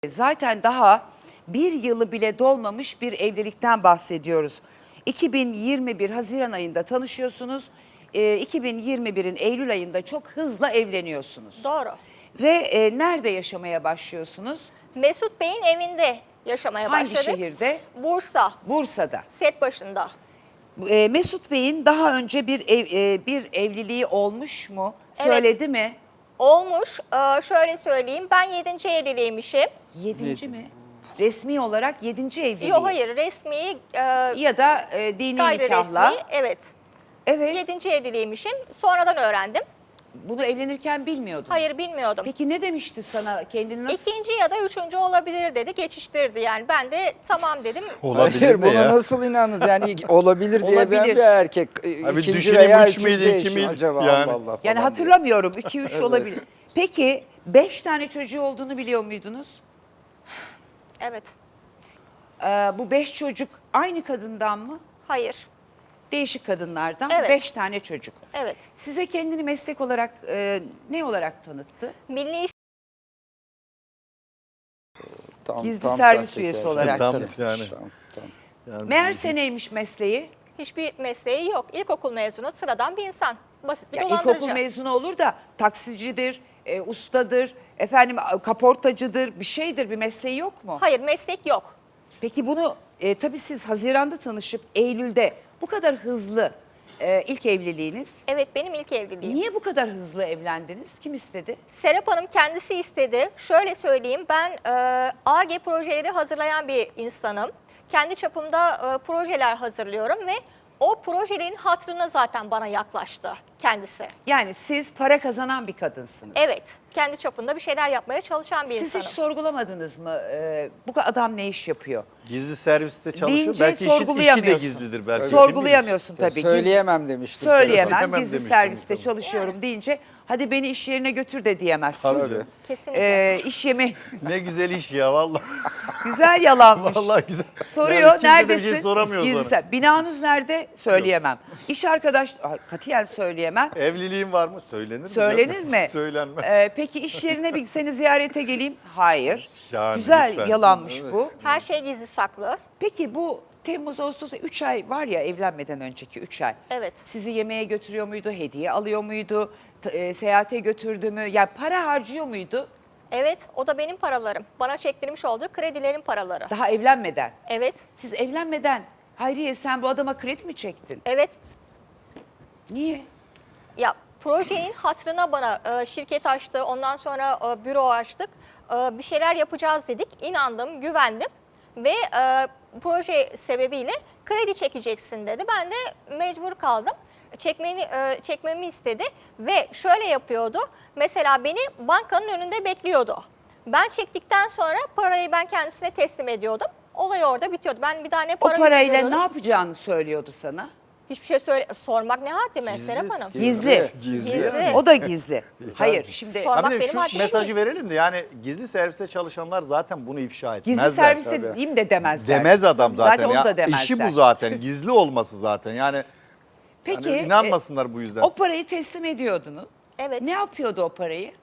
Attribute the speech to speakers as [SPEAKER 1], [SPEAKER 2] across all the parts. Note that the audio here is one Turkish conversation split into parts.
[SPEAKER 1] Zaten daha bir yılı bile dolmamış bir evlilikten bahsediyoruz. 2021 Haziran ayında tanışıyorsunuz. 2021'in Eylül ayında çok hızla evleniyorsunuz.
[SPEAKER 2] Doğru.
[SPEAKER 1] Ve nerede yaşamaya başlıyorsunuz?
[SPEAKER 2] Mesut Bey'in evinde yaşamaya
[SPEAKER 1] Hangi
[SPEAKER 2] başladık.
[SPEAKER 1] şehirde?
[SPEAKER 2] Bursa,
[SPEAKER 1] Bursa'da.
[SPEAKER 2] set başında.
[SPEAKER 1] Mesut Bey'in daha önce bir evliliği olmuş mu?
[SPEAKER 2] Evet.
[SPEAKER 1] Söyledi mi?
[SPEAKER 2] Olmuş. Şöyle söyleyeyim, ben 7. evliliğimmişim.
[SPEAKER 1] 7. mi? Resmi olarak 7. evliliği.
[SPEAKER 2] Yok hayır, resmi,
[SPEAKER 1] Ya da dini
[SPEAKER 2] gayri
[SPEAKER 1] nikahla.
[SPEAKER 2] resmi, evet.
[SPEAKER 1] Evet.
[SPEAKER 2] 7. evliliğmişim. Sonradan öğrendim.
[SPEAKER 1] Bunu evlenirken bilmiyordun.
[SPEAKER 2] Hayır, bilmiyordum.
[SPEAKER 1] Peki ne demişti sana? Kendini nasıl...
[SPEAKER 2] 2. ya da 3. olabilir dedi, geçiştirdi yani. Ben de tamam dedim.
[SPEAKER 3] Olabilir
[SPEAKER 4] Hayır,
[SPEAKER 3] mi
[SPEAKER 4] buna
[SPEAKER 3] ya?
[SPEAKER 4] nasıl inandınız? Yani olabilir diye ben
[SPEAKER 1] Olabilir.
[SPEAKER 4] bir erkek.
[SPEAKER 3] Abi
[SPEAKER 4] İkinci
[SPEAKER 3] düşüneyim,
[SPEAKER 4] veya
[SPEAKER 3] 3 müydü,
[SPEAKER 4] üçüncü
[SPEAKER 3] 2
[SPEAKER 4] eşim
[SPEAKER 3] miydi?
[SPEAKER 4] acaba
[SPEAKER 3] Yani.
[SPEAKER 4] Allah Allah falan
[SPEAKER 1] Yani
[SPEAKER 4] diye.
[SPEAKER 1] hatırlamıyorum. 2-3
[SPEAKER 4] Evet.
[SPEAKER 1] olabilir. Peki 5 tane çocuğu olduğunu biliyor muydunuz?
[SPEAKER 2] Evet.
[SPEAKER 1] Bu 5 çocuk aynı kadından mı?
[SPEAKER 2] Hayır.
[SPEAKER 1] Değişik kadınlardan
[SPEAKER 2] Evet.
[SPEAKER 1] 5 tane çocuk.
[SPEAKER 2] Evet.
[SPEAKER 1] Size kendini meslek olarak ne olarak tanıttı?
[SPEAKER 2] Milli
[SPEAKER 1] Gizli servis
[SPEAKER 4] sahtekar.
[SPEAKER 1] üyesi olarak
[SPEAKER 3] Tam
[SPEAKER 1] tabii.
[SPEAKER 3] yani.
[SPEAKER 4] Tamam.
[SPEAKER 3] Yani
[SPEAKER 1] Meğerse neymiş mesleği?
[SPEAKER 2] hiçbir mesleği yok. İlkokul mezunu, sıradan bir insan. Basit bir
[SPEAKER 1] Ya
[SPEAKER 2] dolandırıcı.
[SPEAKER 1] ilkokul mezunu olur da taksicidir, ustadır, efendim kaportacıdır, bir şeydir, bir mesleği yok mu?
[SPEAKER 2] Hayır, meslek yok.
[SPEAKER 1] Peki bunu tabii siz Haziran'da tanışıp Eylül'de bu kadar hızlı ilk evliliğiniz.
[SPEAKER 2] Evet, benim ilk evliliğim.
[SPEAKER 1] Niye bu kadar hızlı evlendiniz? Kim istedi?
[SPEAKER 2] Serap Hanım kendisi istedi. Şöyle söyleyeyim, ben Ar-Ge projeleri hazırlayan bir insanım. Kendi çapımda projeler hazırlıyorum ve o projelerin hatırına zaten bana yaklaştı kendisi.
[SPEAKER 1] Yani siz para kazanan bir kadınsınız.
[SPEAKER 2] Evet, kendi çapında bir şeyler yapmaya çalışan bir
[SPEAKER 1] Siz
[SPEAKER 2] insanım.
[SPEAKER 1] hiç sorgulamadınız mı? Bu adam ne iş yapıyor?
[SPEAKER 3] Gizli serviste çalışıyor.
[SPEAKER 1] Deyince
[SPEAKER 3] Belki işi de
[SPEAKER 1] sorgulayamıyorsun.
[SPEAKER 3] gizlidir belki.
[SPEAKER 1] Sorgulayamıyorsun tabii.
[SPEAKER 4] Söyleyemem demiştim.
[SPEAKER 1] Söyleyemem.
[SPEAKER 3] Söyleyemem
[SPEAKER 1] Gizli
[SPEAKER 3] demiştim
[SPEAKER 1] serviste
[SPEAKER 3] muhtemelen.
[SPEAKER 1] çalışıyorum deyince hadi beni iş yerine götür de diyemezsin.
[SPEAKER 3] Tabii.
[SPEAKER 2] Kesinlikle.
[SPEAKER 1] İş yemi
[SPEAKER 3] Ne güzel iş ya vallahi.
[SPEAKER 1] güzel yalanmış.
[SPEAKER 3] Vallahi güzel.
[SPEAKER 1] Soruyor
[SPEAKER 3] Yani kimse de
[SPEAKER 1] neredesin?
[SPEAKER 3] bir şey soramıyor
[SPEAKER 1] Gizli
[SPEAKER 3] bana.
[SPEAKER 1] binanız nerede? Söyleyemem. İş arkadaş katiyen söyleyemem.
[SPEAKER 3] Evliliğin var mı? Söylenir mi?
[SPEAKER 1] Söylenir
[SPEAKER 3] canım?
[SPEAKER 1] mi?
[SPEAKER 3] Söylenmez.
[SPEAKER 1] Peki iş yerine bir seni ziyarete geleyim? Hayır.
[SPEAKER 3] Yani
[SPEAKER 1] Güzel
[SPEAKER 3] lütfen.
[SPEAKER 1] yalanmış bu.
[SPEAKER 2] Her şey gizli saklı.
[SPEAKER 1] Peki bu Temmuz, Ağustos 3 ay var ya evlenmeden önceki 3 ay.
[SPEAKER 2] Evet.
[SPEAKER 1] Sizi yemeğe götürüyor muydu? Hediye alıyor muydu? Seyahate götürdü mü? Yani para harcıyor muydu?
[SPEAKER 2] Evet, o da benim paralarım. Bana çektirmiş olduğu kredilerin paraları.
[SPEAKER 1] Daha evlenmeden.
[SPEAKER 2] Evet,
[SPEAKER 1] Siz evlenmeden Hayriye sen bu adama kredi mi çektin?
[SPEAKER 2] evet.
[SPEAKER 1] Niye?
[SPEAKER 2] Ya projenin hatırına bana şirket açtı, ondan sonra büro açtık. Bir şeyler yapacağız dedik. İnandım, güvendim ve proje sebebiyle kredi çekeceksin dedi. Ben de mecbur kaldım. Çekmemi istedi ve şöyle yapıyordu. Mesela beni bankanın önünde bekliyordu. Ben çektikten sonra parayı ben kendisine teslim ediyordum. Olay orada bitiyordu. Ben bir daha ne
[SPEAKER 1] O
[SPEAKER 2] para
[SPEAKER 1] parayla
[SPEAKER 2] veriyordum.
[SPEAKER 1] ne yapacağını söylüyordu sana?
[SPEAKER 2] Hiçbir şey sormak ne haddi Serap Hanım.
[SPEAKER 1] Gizli.
[SPEAKER 2] Gizli.
[SPEAKER 1] O da gizli. Hayır şimdi
[SPEAKER 2] Sormak
[SPEAKER 3] Abi de
[SPEAKER 2] benim
[SPEAKER 3] şu
[SPEAKER 2] haddim
[SPEAKER 3] mesajı
[SPEAKER 2] değil.
[SPEAKER 3] verelim de yani gizli serviste çalışanlar zaten bunu ifşa etmezler.
[SPEAKER 1] gizli serviste
[SPEAKER 3] tabii.
[SPEAKER 1] diyeyim de demezler.
[SPEAKER 3] Demez adam zaten.
[SPEAKER 1] onu
[SPEAKER 3] ya.
[SPEAKER 1] da demezler.
[SPEAKER 3] İşi bu zaten. Gizli olması zaten. Yani
[SPEAKER 1] Peki
[SPEAKER 3] hani inanmasınlar bu yüzden.
[SPEAKER 1] o parayı teslim ediyordunuz.
[SPEAKER 2] Evet.
[SPEAKER 1] Ne yapıyordu o parayı?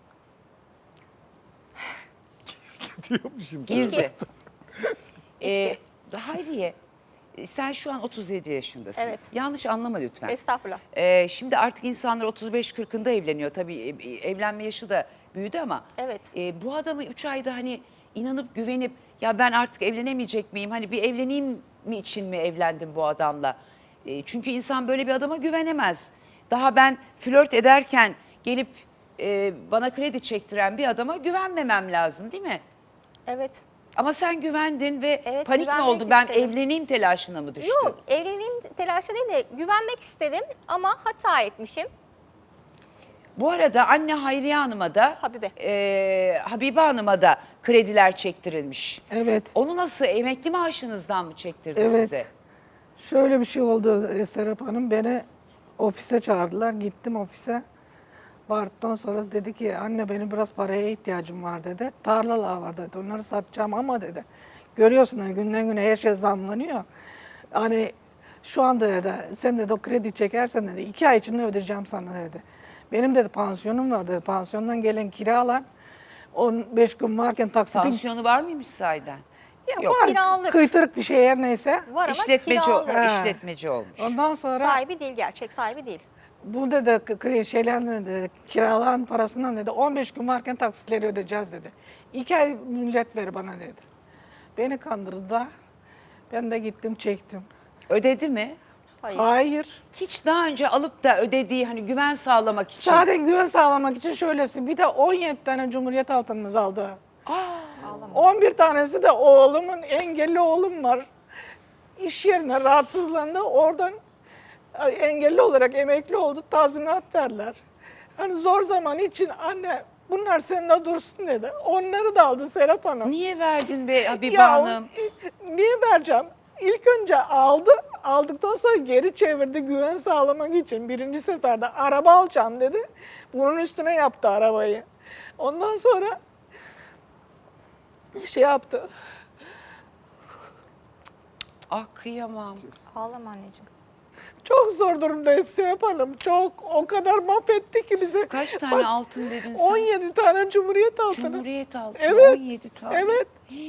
[SPEAKER 3] diyormuşum.
[SPEAKER 1] Gizli.
[SPEAKER 2] İçki.
[SPEAKER 1] Hayriye sen şu an 37 yaşındasın.
[SPEAKER 2] Evet.
[SPEAKER 1] Yanlış anlama lütfen.
[SPEAKER 2] Estağfurullah.
[SPEAKER 1] Şimdi artık insanlar 35-40'ında evleniyor. Tabii evlenme yaşı da büyüdü ama
[SPEAKER 2] Evet.
[SPEAKER 1] bu adamı 3 ayda hani inanıp güvenip ya ben artık evlenemeyecek miyim? Hani bir evleneyim mi için mi evlendim bu adamla? Çünkü insan böyle bir adama güvenemez. Daha ben flört ederken gelip bana kredi çektiren bir adama güvenmemem lazım değil mi?
[SPEAKER 2] Evet.
[SPEAKER 1] Ama sen güvendin ve
[SPEAKER 2] Evet,
[SPEAKER 1] panik mi
[SPEAKER 2] güvenmek
[SPEAKER 1] oldu? Ben
[SPEAKER 2] istedim.
[SPEAKER 1] evleneyim telaşına mı düştün?
[SPEAKER 2] Yok, evliliğim telaşı değil de güvenmek istedim ama hata etmişim.
[SPEAKER 1] Bu arada anne Hayriye Hanım'a da
[SPEAKER 2] Habibe.
[SPEAKER 1] Habibe Hanım'a da krediler çektirilmiş.
[SPEAKER 5] Evet.
[SPEAKER 1] Onu nasıl emekli maaşınızdan mı çektirdi
[SPEAKER 5] Evet.
[SPEAKER 1] size?
[SPEAKER 5] Şöyle bir şey oldu Serap Hanım. Beni ofise çağırdılar. Gittim ofise. Vardıktan sonra dedi ki anne benim biraz paraya ihtiyacım var dedi. Tarlalar var dedi. Onları satacağım ama dedi. Görüyorsun yani günden güne her şey zamlanıyor. Hani şu anda dedi sen dedi o kredi çekersen dedi 2 ay içinde ödeyeceğim sana dedi. Benim dedi pansiyonum var dedi. Pansiyondan gelen kiralar 15 gün varken taksitin
[SPEAKER 1] Tansiyonu var mıymış sahiden?
[SPEAKER 5] ya
[SPEAKER 1] Yok.
[SPEAKER 5] var
[SPEAKER 2] Kiralık.
[SPEAKER 5] kıytırık bir şey her neyse.
[SPEAKER 2] Var ama
[SPEAKER 1] İşletmeci,
[SPEAKER 2] kiralık.
[SPEAKER 1] işletmeci olmuş.
[SPEAKER 5] Ondan sonra
[SPEAKER 2] Sahibi değil, gerçek sahibi değil.
[SPEAKER 5] bu dedi şeyler dedi, kiralan parasından dedi 15 gün varken taksitleri ödeyeceğiz dedi. 2 ay mühlet ver bana dedi. Beni kandırdılar. Ben de gittim çektim.
[SPEAKER 1] Ödedi mi?
[SPEAKER 2] Hayır.
[SPEAKER 5] Hayır.
[SPEAKER 1] Hiç daha önce alıp da ödediği hani güven sağlamak için.
[SPEAKER 5] Zaten güven sağlamak için şöylesin. Bir de 17 tane Cumhuriyet altınımız aldı. 11 tanesi de oğlumun, engelli oğlum var. İş yerine rahatsızlandı. Oradan engelli olarak emekli oldu. Tazminat derler. Hani zor zaman için anne bunlar seninle dursun dedi. Onları da aldı Serap Hanım.
[SPEAKER 1] Niye verdin be Habibe
[SPEAKER 5] Ya
[SPEAKER 1] Hanım?
[SPEAKER 5] niye vereceğim? İlk önce aldı. Aldıktan sonra geri çevirdi güven sağlamak için. Birinci seferde araba alacağım dedi. Bunun üstüne yaptı arabayı. Ondan sonra şey yaptı.
[SPEAKER 1] Ah kıyamam.
[SPEAKER 2] Ağlama anneciğim.
[SPEAKER 5] Çok zor durumdayız Serap Hanım. Çok. O kadar mahvetti ki bize.
[SPEAKER 1] Kaç tane altın dedin sen?
[SPEAKER 5] 17 tane Cumhuriyet altını.
[SPEAKER 1] Cumhuriyet altını.
[SPEAKER 5] Evet.
[SPEAKER 1] 17 tane.
[SPEAKER 5] Evet.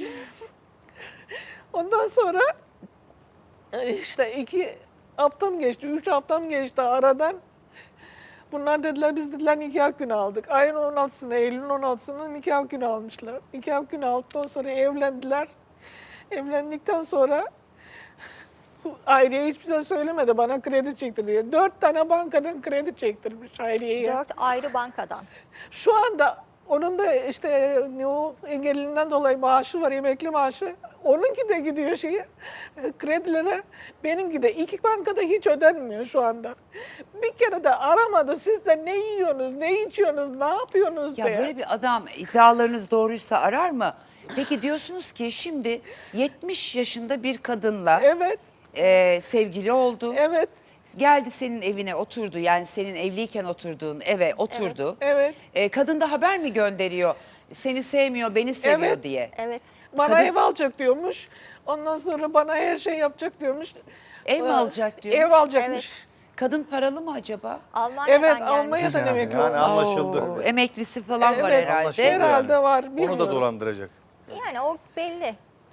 [SPEAKER 5] Ondan sonra işte 2 haftam geçti, 3 haftam geçti aradan. Bunlar dediler biz dediler nikah günü aldık. Ayın 16'sına, Eylül'ün 16'sına nikah günü almışlar. Nikah günü aldıktan sonra evlendiler. Evlendikten sonra Hayriye hiçbir şey söylemedi bana kredi çektir diye. 4 tane bankadan kredi çektirmiş Hayriye'ye.
[SPEAKER 2] 4 ayrı bankadan.
[SPEAKER 5] Şu anda onun da işte o engelinden dolayı maaşı var, emekli maaşı. Onunki de gidiyor kredilere. Benimki de 2 bankada hiç ödenmiyor şu anda. Bir kere de aramadı. Siz de ne yiyorsunuz, ne içiyorsunuz, ne yapıyorsunuz
[SPEAKER 1] Ya
[SPEAKER 5] diye.
[SPEAKER 1] böyle bir adam iddialarınız doğruysa arar mı? Peki diyorsunuz ki şimdi 70 yaşında bir kadınla
[SPEAKER 5] Evet,
[SPEAKER 1] sevgili oldu.
[SPEAKER 5] evet,
[SPEAKER 1] Geldi senin evine oturdu, yani senin evliyken oturduğun eve oturdu.
[SPEAKER 5] evet.
[SPEAKER 1] Kadın da haber mi gönderiyor? Seni sevmiyor, beni seviyor
[SPEAKER 5] Evet.
[SPEAKER 1] diye.
[SPEAKER 2] Evet.
[SPEAKER 5] Bana
[SPEAKER 1] Kadın-
[SPEAKER 5] ev alacak diyormuş. Ondan sonra bana her şey yapacak diyormuş.
[SPEAKER 1] Ev mi alacak diyor?
[SPEAKER 5] Ev alacakmış.
[SPEAKER 1] Kadın paralı mı acaba?
[SPEAKER 2] Almanya'dan
[SPEAKER 5] Evet,
[SPEAKER 2] gelmiş.
[SPEAKER 5] Almanya'dan
[SPEAKER 3] Yani,
[SPEAKER 5] emekli
[SPEAKER 3] yani
[SPEAKER 5] olmuş.
[SPEAKER 3] anlaşıldı.
[SPEAKER 1] Oo, emeklisi falan var
[SPEAKER 5] Evet,
[SPEAKER 1] herhalde.
[SPEAKER 3] anlaşıldı.
[SPEAKER 5] Herhalde var.
[SPEAKER 3] Onu da
[SPEAKER 5] bilmiyorum.
[SPEAKER 3] dolandıracak.
[SPEAKER 2] Yani o belli.